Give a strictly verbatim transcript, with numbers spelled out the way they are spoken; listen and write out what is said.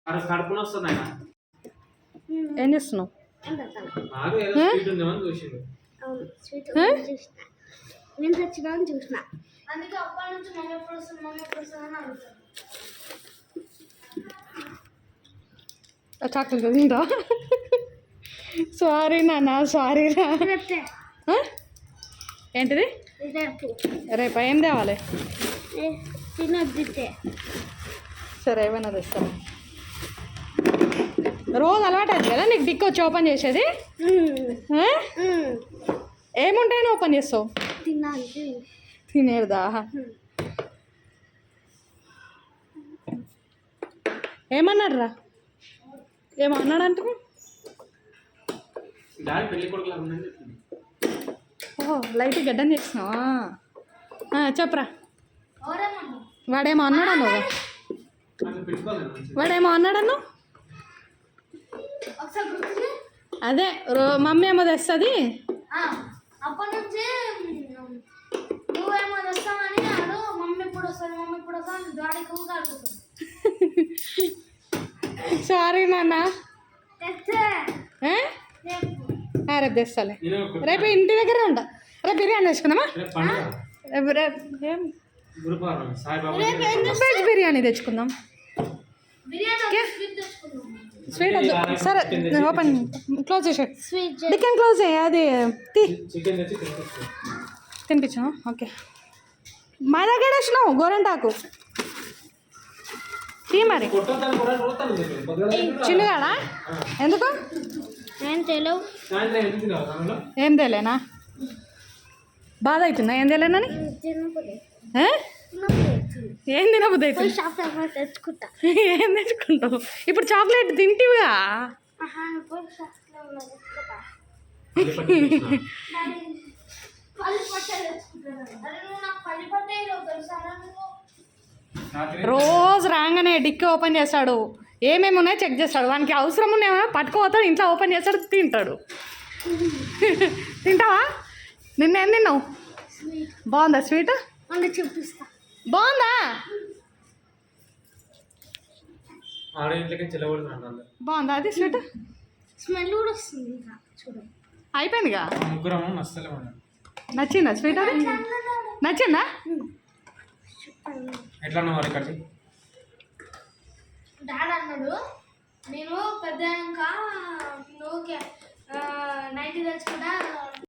ఏం చేస్తున్నావు? చాక్లెట్ తింటా. సారీ నాన్న, సారీ రా. ఏంటిది? రేపు ఏం తేవాలి? సరే ఏమైనా తెస్తాను. రోజు అలవాటు అయింది కదా నీకు డిక్ వచ్చి ఓపెన్ చేసేది? ఏముంటాయని ఓపెన్ చేస్తావు? తినేదా? ఏమన్నాడు రా? ఏమన్నాడు అంటే? ఓహో లైట్ గడ్డం చేసినావా? చెప్పరా. వాడేమో అన్నాడను వాడేమో అన్నాడను అదే రో మమ్మీ ఏమో తెస్తుంది. అప్పటి నుంచి నువ్వేమో తెస్తామని అడు మమ్మీ ఇప్పుడు వస్తుంది మమ్మీ ఇప్పుడు వస్తుంది గాడికి ఊగాడుతుంది. సారీ నాన్న. రేపు తెస్తాలే. రేపు ఇంటి దగ్గరే ఉంటా. రేపు బిర్యానీ తెచ్చుకుందామా? రేపు ఏం వెజ్ బిర్యానీ తెచ్చుకుందాం. స్వీట్ వద్దు. సరే ఓపెన్ క్లోజ్ చేసే చికెన్ క్లోజ్ చేయ. అది తీ తినిపించా. ఓకే మా దగ్గర వచ్చినావు గోరంటాకు తీ మరి. చిన్నగాడా ఎందుకు? ఏం తెలియనా? బాధ అవుతుందా ఏం తెలియనని? ఏం తినబుద్ది అవుతుంది? ఏం తెచ్చుకుంటావు ఇప్పుడు? చాక్లెట్ తింటివిగా. రోజు రాగానే డిక్కి ఓపెన్ చేస్తాడు. ఏమేమి ఉన్నాయో చెక్ చేస్తాడు. వానికి అవసరం ఉన్నాయేమో పట్టుకోపోతాడు. ఇంట్లో ఓపెన్ చేస్తాడు, తింటాడు. తింటావా? నిన్న ఏం తిన్నావు? బాగుందా స్వీట్? చూపిస్తా. బాగుందా? బాగుందా అది స్వీట్? స్మెల్ కూడా వస్తుంది. అయిపోయిందిగా. నచ్చిందా స్వీట్? అది నచ్చిందా? డాడ్ అన్నాడు నేను పెద్ద ఇంకా నువ్వు నైట్ తెచ్చుకుంటా